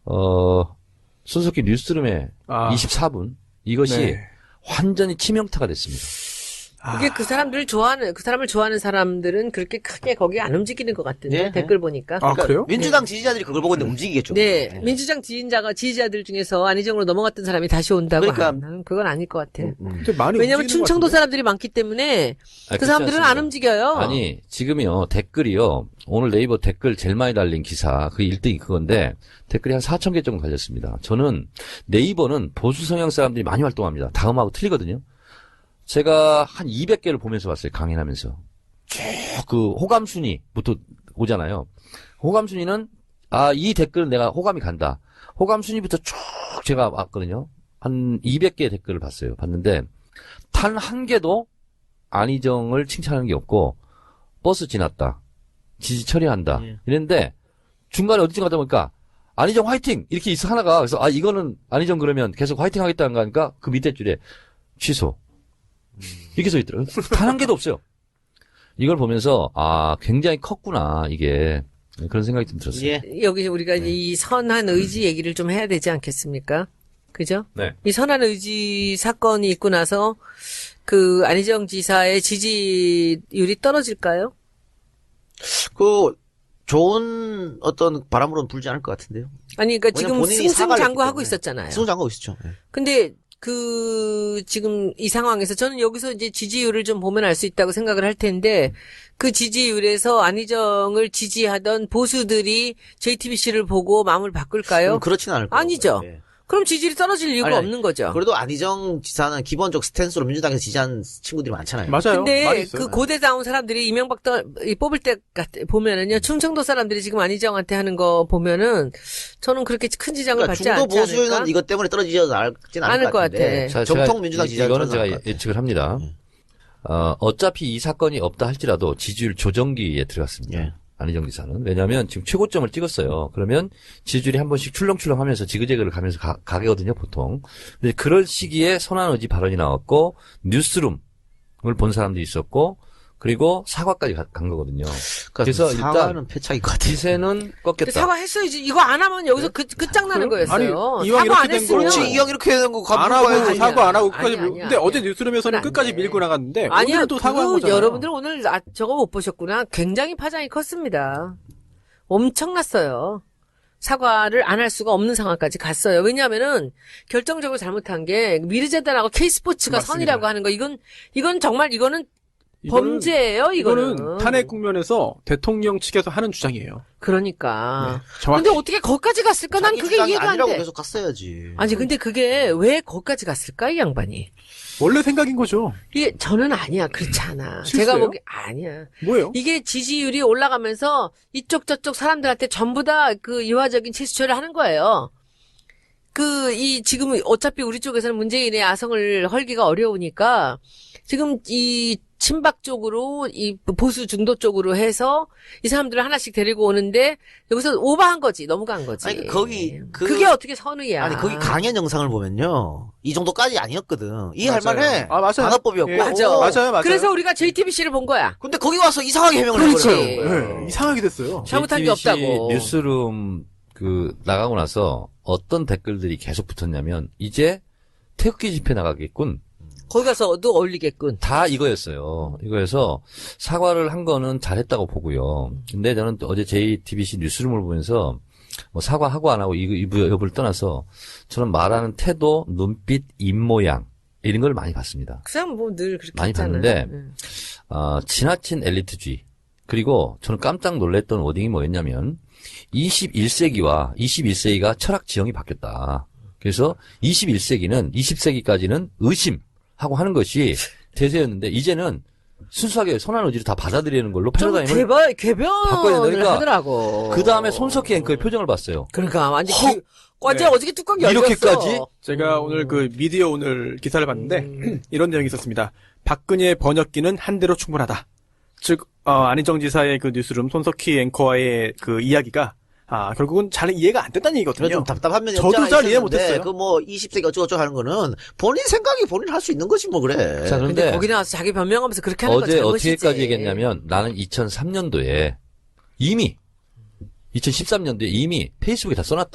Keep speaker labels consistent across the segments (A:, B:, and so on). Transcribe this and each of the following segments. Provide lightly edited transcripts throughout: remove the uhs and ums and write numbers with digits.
A: 손석희 뉴스룸의 24분 이것이
B: 네.
A: 완전히 치명타가 됐습니다.
C: 그게 그 사람을 좋아하는 사람들은 그렇게 크게 거기 안 움직이는 것 같은데,
D: 네.
C: 댓글 보니까.
B: 아, 그래요?
D: 민주당 지지자들이 그걸 보고 있는데 움직이겠죠.
C: 네. 민주당 지지자들 중에서 안희정으로 넘어갔던 사람이 다시 온다고
D: 그러니까.
C: 하면 그건 아닐 것 같아.
B: 근데 많이
C: 왜냐면
B: 움직이는
C: 충청도
B: 것 같은데?
C: 사람들이 많기 때문에 그
A: 그렇지
C: 사람들은 안
A: 않습니다.
C: 움직여요.
A: 아니, 지금이요, 댓글이요, 오늘 네이버 댓글 제일 많이 달린 기사, 그게 1등이 그건데, 댓글이 한 4,000개 정도 달렸습니다. 저는 네이버는 보수 성향 사람들이 많이 활동합니다. 다음하고 틀리거든요. 제가 한 200개를 보면서 봤어요, 강연하면서. 쭉 그 호감순위부터 오잖아요. 호감순위는, 이 댓글은 내가 호감이 간다. 호감순위부터 쭉 제가 봤거든요. 한 200개의 댓글을 봤어요. 봤는데, 단 한 개도 안희정을 칭찬하는 게 없고, 버스 지났다. 지지 처리한다.
D: 예.
A: 이랬는데, 중간에 어디쯤 가다 보니까, 안희정 화이팅! 이렇게 있어, 하나가. 그래서, 이거는 안희정 그러면 계속 화이팅 하겠다는 거 하니까, 그 밑에 줄에, 취소. 이렇게 써 있더라고요. 단 한 개도 없어요. 이걸 보면서, 굉장히 컸구나, 이게. 그런 생각이 좀 들었어요.
D: 예.
C: 여기 우리가 이 선한 의지 얘기를 좀 해야 되지 않겠습니까? 그죠?
A: 네.
C: 이 선한 의지 사건이 있고 나서 그 안희정 지사의 지지율이 떨어질까요?
D: 좋은 어떤 바람으로는 불지 않을 것 같은데요.
C: 아니, 그러니까
D: 왜냐면
C: 지금
D: 본인이 사과를
C: 승승장구하고
D: 했기 때문에.
C: 있었잖아요.
D: 승승장구하고 있었죠. 예.
C: 근데 지금 이 상황에서 저는 여기서 이제 지지율을 좀 보면 알 수 있다고 생각을 할 텐데 그 지지율에서 안희정을 지지하던 보수들이 JTBC를 보고 마음을 바꿀까요?
D: 그렇지는 않을 거예요.
C: 아니죠.
D: 예.
C: 그럼 지지율이 떨어질 이유가
D: 아니,
C: 없는 거죠.
D: 그래도 안희정 지사는 기본적 스탠스로 민주당에서 지지한 친구들이 많잖아요.
B: 맞아요. 많이
C: 근데
B: 있어요.
C: 그 고대 나온 사람들이 이명박 뽑을 때 보면은요, 충청도 사람들이 지금 안희정한테 하는 거 보면은 저는 그렇게 큰 지장을
D: 그러니까
C: 받지
D: 중도
C: 않지 않을까?
D: 보수는 이것 때문에 떨어지지 않진 않을
C: 않을
D: 것
C: 것
D: 같은데.
C: 같아.
D: 정통 민주당 지지자
A: 이거는 제가 예측을 합니다. 어차피 이 사건이 없다 할지라도 지지율 조정기에 들어갔습니다.
D: 예.
A: 안희정 지사는. 왜냐하면 지금 최고점을 찍었어요. 그러면 지지율이 한 번씩 출렁출렁 하면서 지그재그를 가면서 가거든요, 보통. 근데 그럴 시기에 선한 의지 발언이 나왔고, 뉴스룸을 본 사람도 있었고, 그리고 사과까지 간 거거든요. 그래서
D: 사과는
A: 일단
D: 패착일 것 같아요.
A: 기세는
C: 근데
A: 꺾였다.
C: 사과했어야지. 이거 안 하면 여기서 끝장나는 거였어요.
B: 아니, 이왕
C: 사과 안
B: 이렇게 된
C: 했으면.
B: 거.
D: 그렇지, 이왕 이렇게 되는 거
B: 안
D: 가지고
B: 하고
D: 가야지.
B: 사과 안 하고
C: 아니야,
B: 끝까지
C: 아니야,
B: 밀고. 근데
C: 아니야.
B: 어제 뉴스룸에서는
C: 그건
B: 끝까지
C: 안 돼.
B: 밀고 나갔는데
C: 아니야,
B: 오늘은 또 사과한 거잖아요.
C: 여러분들 오늘 저거 못 보셨구나. 굉장히 파장이 컸습니다. 엄청났어요. 사과를 안 할 수가 없는 상황까지 갔어요. 왜냐하면은 결정적으로 잘못한 게 미르재단하고 K스포츠가
B: 맞습니다.
C: 선이라고 하는 거 이건 정말 이거는
B: 이거는-
C: 범죄예요. 이거는
B: 탄핵 국면에서 대통령 측에서 하는 주장이에요.
C: 그러니까.
B: 정확히.
C: 근데 어떻게 거기까지 갔을까? 난
D: 자기
C: 그게
D: 주장이
C: 이해가 안
D: 아니라고
C: 돼.
D: 계속 갔어야지.
C: 아니 근데 그게 왜 거기까지 갔을까 이 양반이?
B: 원래 생각인 거죠.
C: 이게 저는 아니야. 그렇지 않아.
B: 실수예요?
C: 제가 보기 아니야.
B: 뭐예요?
C: 이게 지지율이 올라가면서 이쪽 저쪽 사람들한테 전부 다 그 이화적인 채수처리를 하는 거예요. 지금 어차피 우리 쪽에서는 문재인의 아성을 헐기가 어려우니까 지금 이 친박 쪽으로 이 보수 중도 쪽으로 해서 이 사람들을 하나씩 데리고 오는데 여기서 오버한 거지. 넘어간 거지.
D: 아니, 거기,
C: 그게 어떻게 선의야.
D: 아니, 거기 강연 영상을 보면요. 이 정도까지 아니었거든. 이해할
B: 맞아요.
D: 만해.
B: 맞아요.
D: 방어법이었고.
B: 예.
C: 맞아.
B: 맞아요.
C: 그래서 우리가 JTBC를 본 거야.
D: 근데 거기 와서 이상하게 해명을
C: 그렇지.
D: 해버려요.
B: 네, 이상하게 됐어요.
C: 잘못한 게
A: JTBC
C: 없다고.
A: 뉴스룸 나가고 나서 어떤 댓글들이 계속 붙었냐면 이제 태극기 집회 나가겠군.
C: 거기 가서도 어울리겠군.
A: 다 이거였어요. 이거여서 사과를 한 거는 잘했다고 보고요. 근데 저는 또 어제 JTBC 뉴스룸을 보면서 뭐 사과하고 안 하고 이 여부를 떠나서 저는 말하는 태도, 눈빛, 입모양 이런 걸 많이 봤습니다.
C: 그 사람 뭐 늘 그렇게
A: 많이
C: 했잖아.
A: 봤는데
C: 응.
A: 지나친 엘리트주의. 그리고 저는 깜짝 놀랐던 워딩이 뭐였냐면 21세기와 21세기가 철학 지형이 바뀌었다. 그래서 21세기는 20세기까지는 의심하고 하는 것이 대세였는데 이제는 순수하게 선한 의지를 다 받아들이는 걸로
C: 좀
A: 패러다임을 바꿔야
C: 개변을
A: 되니까
C: 하더라고.
A: 그 다음에 손석희 앵커의 표정을 봤어요.
C: 그러니까 완전
A: 헉!
C: 어제
B: 네.
C: 어저께 뚜껑 열렸어.
A: 이렇게까지?
B: 제가 오늘 그 미디어 오늘 기사를 봤는데 이런 내용이 있었습니다. 박근혜의 번역기는 한 대로 충분하다. 즉 안희정 지사의 그 뉴스룸 손석희 앵커와의 그 이야기가 결국은 잘 이해가 안 됐다는
D: 그래
B: 얘기거든요.
D: 좀 답답한 면이
B: 저도
D: 없잖아
B: 잘 이해
D: 있었는데
B: 못했어요.
D: 그 뭐 20세기 어쩌고저쩌고 하는 거는 본인 생각이 본인 할 수 있는 거지 뭐 그래.
A: 자,
C: 근데
A: 그런데
C: 거기 나와서 자기 변명하면서 그렇게 하는 건
A: 어제
C: 잘못이지.
A: 어떻게까지 얘기했냐면 나는 2003년도에 이미 2013년도에 이미 페이스북에 다 써놨다.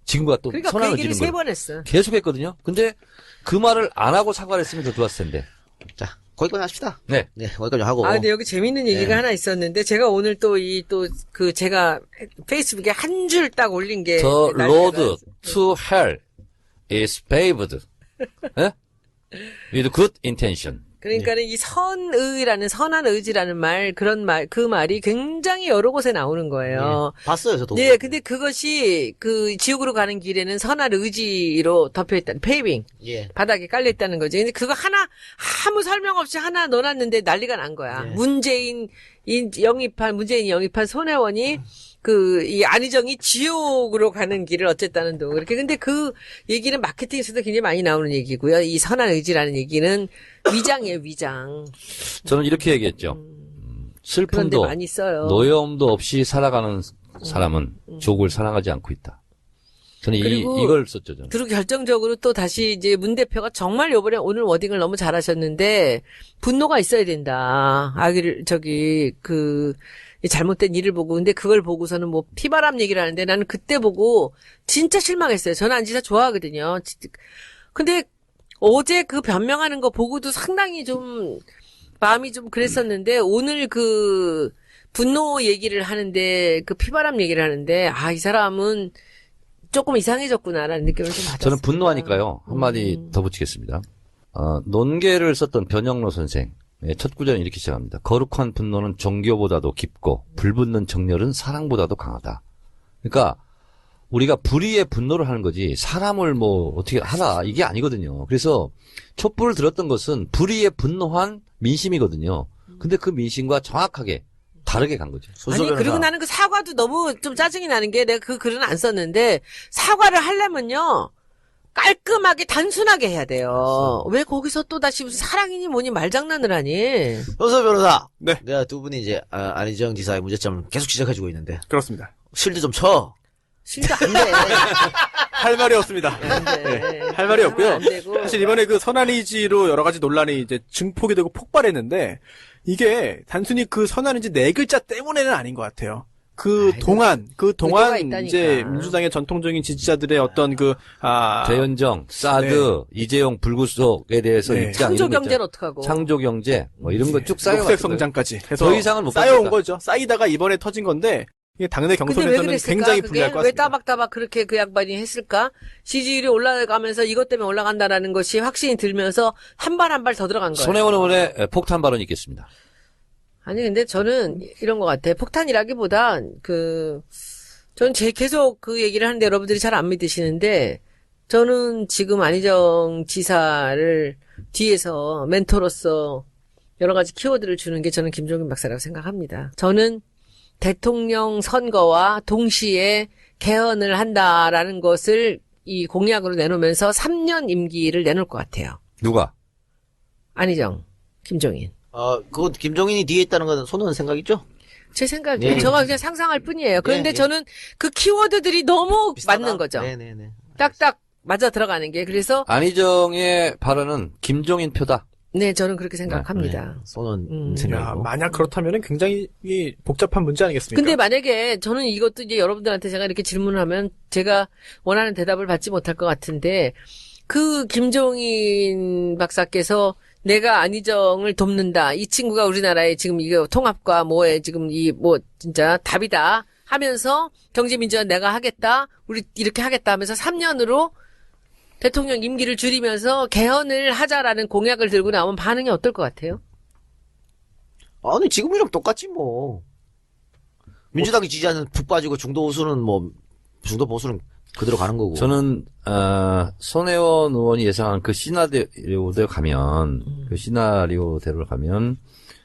A: 지금과 또
C: 그러니까 그
A: 선언을
C: 얘기를
A: 지는
C: 3번
A: 거예요.
C: 했어.
A: 계속 했거든요. 근데 그 말을 안 하고 사과를 했으면 더 좋았을 텐데.
D: 자, 거기까지 합시다.
A: 네.
D: 네, 거기까지 하고.
C: 아, 근데 여기 재밌는 얘기가
D: 네.
C: 하나 있었는데, 제가 오늘 제가 페이스북에 한 줄 딱 올린 게.
A: The
C: 날짜가-
A: road to hell is paved 예? with good intention.
C: 그러니까는 이 선의라는, 선한 의지라는 그 말이 굉장히 여러 곳에 나오는 거예요.
D: 봤어요, 저도.
C: 네, 근데 그것이 그 지옥으로 가는 길에는 선한 의지로 덮여있다는, 페이빙.
D: 예.
C: 바닥에 깔려있다는 거지. 근데 그거 하나, 아무 설명 없이 하나 넣어놨는데 난리가 난 거야.
D: 네.
C: 문재인이 영입한 손혜원이 이 안희정이 지옥으로 가는 길을 어쨌다는 둥. 그렇게. 근데 그 얘기는 마케팅에서도 굉장히 많이 나오는 얘기고요. 이 선한 의지라는 얘기는 위장이에요, 위장.
A: 저는 이렇게 얘기했죠.
C: 그런데
A: 슬픔도
C: 많이 써요.
A: 노여움도 없이 살아가는 사람은 조국을 사랑하지 않고 있다. 저는
C: 그리고
A: 이걸 썼죠. 저는.
C: 그리고 결정적으로 또 다시 이제 문 대표가 정말 요번에 오늘 워딩을 너무 잘하셨는데 분노가 있어야 된다. 이 잘못된 일을 보고 근데 그걸 보고서는 뭐 피바람 얘기를 하는데 나는 그때 보고 진짜 실망했어요. 저는 안지사 좋아하거든요. 근데 어제 그 변명하는 거 보고도 상당히 좀 마음이 좀 그랬었는데 오늘 그 분노 얘기를 하는데 그 피바람 얘기를 하는데 이 사람은 조금 이상해졌구나라는 느낌을 좀 받았어요.
A: 저는 분노하니까요. 한마디 더 붙이겠습니다. 논계를 썼던 변영로 선생. 첫 구절은 이렇게 시작합니다. 거룩한 분노는 종교보다도 깊고 불붙는 정열은 사랑보다도 강하다. 그러니까 우리가 불의의 분노를 하는 거지 사람을 뭐 어떻게 하라 이게 아니거든요. 그래서 촛불을 들었던 것은 불의에 분노한 민심이거든요. 근데 그 민심과 정확하게 다르게 간 거죠.
C: 아니 그리고 나는 그 사과도 너무 좀 짜증이 나는 게 내가 그 글은 안 썼는데 사과를 하려면요 깔끔하게 단순하게 해야 돼요. 왜 거기서 또 다시 무슨 사랑이니 뭐니 말장난을 하니?
D: 현서 변호사.
B: 네.
D: 내가 두 분이 이제 안희정 지사의 문제점을 계속 지적해주고 있는데
B: 그렇습니다.
D: 실드 좀 쳐.
C: 실도 안 돼.
B: 할 말이 없습니다.
C: 안 돼.
B: 할 말이 없고요.
C: 안 되고.
B: 사실 이번에 그 선한의지로 여러 가지 논란이 이제 증폭이 되고 폭발했는데 이게 단순히 그 선한의지 네 글자 때문에는 아닌 것 같아요. 그 동안
C: 의도가 있다니까.
B: 이제 민주당의 전통적인 지지자들의 어떤
A: 대연정, 사드, 이재용 불구속에 대해서
B: 네.
A: 입장
C: 창조
A: 이런 거
C: 경제는
A: 있잖아요.
C: 어떡하고?
A: 창조 경제 뭐 이런 거 쭉 쌓여
B: 녹색 성장까지 해서
A: 더 이상은 못
B: 쌓여온
A: 받겠다.
B: 거죠. 쌓이다가 이번에 터진 건데 이게 당내
C: 근데 왜
B: 경선에서는
C: 그랬을까?
B: 굉장히
C: 그게
B: 불리할 것
C: 왜
B: 같습니다.
C: 따박따박 그렇게 그 양반이 했을까? 지지율이 올라가면서 이것 때문에 올라간다라는 것이 확신이 들면서 한 발 한 발 더 들어간 거예요.
A: 손혜원 의원의 폭탄 발언이 있겠습니다.
C: 아니 근데 저는 이런 것 같아. 폭탄이라기보다 저는 계속 그 얘기를 하는데 여러분들이 잘 안 믿으시는데 저는 지금 안희정 지사를 뒤에서 멘토로서 여러 가지 키워드를 주는 게 저는 김종인 박사라고 생각합니다. 저는 대통령 선거와 동시에 개헌을 한다라는 것을 이 공약으로 내놓으면서 3년 임기를 내놓을 것 같아요.
A: 누가?
C: 안희정, 김종인.
D: 그건 김종인이 뒤에 있다는 건 손은 생각이죠?
C: 제 생각이에요.
D: 네.
C: 저가 그냥 상상할 뿐이에요. 그런데
D: 네, 네.
C: 저는 그 키워드들이 너무
D: 비슷하다?
C: 맞는 거죠.
D: 네네네.
C: 딱딱 맞아 들어가는 게. 그래서
A: 안희정의 발언은 김종인 표다.
C: 네, 저는 그렇게 생각합니다.
D: 손은
B: 야,
D: 생각이고.
B: 만약 그렇다면 굉장히 복잡한 문제 아니겠습니까?
C: 근데 만약에 저는 이것도 이제 여러분들한테 제가 이렇게 질문을 하면 제가 원하는 대답을 받지 못할 것 같은데 그 김종인 박사께서 내가 안희정을 돕는다. 이 친구가 우리나라의 지금 이거 통합과 뭐에 지금 진짜 답이다 하면서 경제민주화 내가 하겠다. 우리 이렇게 하겠다 하면서 3년으로 대통령 임기를 줄이면서 개헌을 하자라는 공약을 들고 나오면 반응이 어떨 것 같아요?
D: 아니, 지금이랑 똑같지, 뭐. 민주당이 지지하는 푹 빠지고 중도 보수는 그대로 가는 거고.
A: 저는 손혜원 의원이 예상한 그 시나리오대로 가면 시나리오대로 가면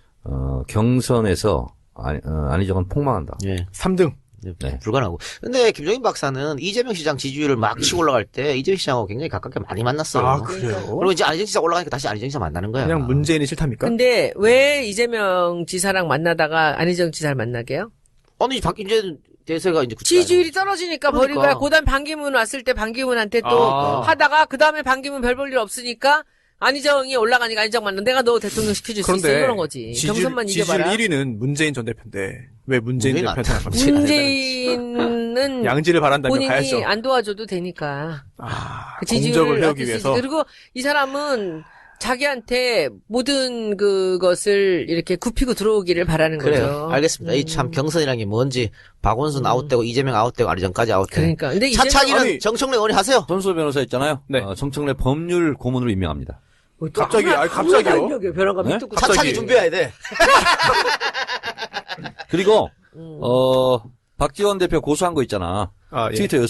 A: 경선에서 안희정은 폭망한다.
D: 예.
B: 3등.
A: 네.
D: 불가능하고. 근데 김종인 박사는 이재명 시장 지지율을 막 치고 올라갈 때 이재명 시장하고 굉장히 가깝게 많이 만났어요.
B: 아, 그래요?
D: 그리고 이제 안희정 시장 올라가니까 다시 안희정 시장 만나는 거야.
B: 그냥 문재인이 싫답니까?
C: 근데 왜 이재명 지사랑 만나다가 안희정 지사를 만나게요?
D: 아니, 이제 대세가 이제
C: 지지율이 떨어지니까 버린
D: 그러니까.
C: 거야. 고단 반기문 왔을 때 반기문한테 또
B: 아.
C: 하다가 그 다음에 반기문 별 볼 일 없으니까 안희정이 올라가니까 안희정 만나. 내가 너 대통령 시켜줄 수 있어.
B: 그런데
C: 이런 거지. 경선만
B: 지지율
C: 이겨봐라.
B: 1위는 문재인 전 대표인데 왜 문재인
D: 문재인
B: 대표한테 안 갑니까?
C: 문재인은
B: 양지를 바란다면
C: 본인이
B: 가야죠.
C: 안 도와줘도 되니까. 그 지지율을
B: 공적을 해오기
C: 낮출 수
B: 위해서.
C: 있지. 그리고 이 사람은 자기한테 모든 그것을 이렇게 굽히고 들어오기를 바라는
D: 그래요.
C: 거죠.
D: 알겠습니다. 이 참 경선이라는 게 뭔지 박원순 아웃되고 이재명 아웃되고 아리전까지 아웃되고.
C: 그러니까. 근데
D: 차차기는
B: 아니,
D: 정청래 의원이 하세요.
A: 손수호 변호사 있잖아요.
B: 네.
A: 정청래 법률 고문으로 임명합니다.
B: 갑자기, 갑자기요?
C: 벼랑가
A: 네?
C: 밑도
B: 갑자기.
D: 차차기 준비해야 돼.
A: 그리고 박지원 대표 고소한 거 있잖아.
B: 아, 예.
A: 트위터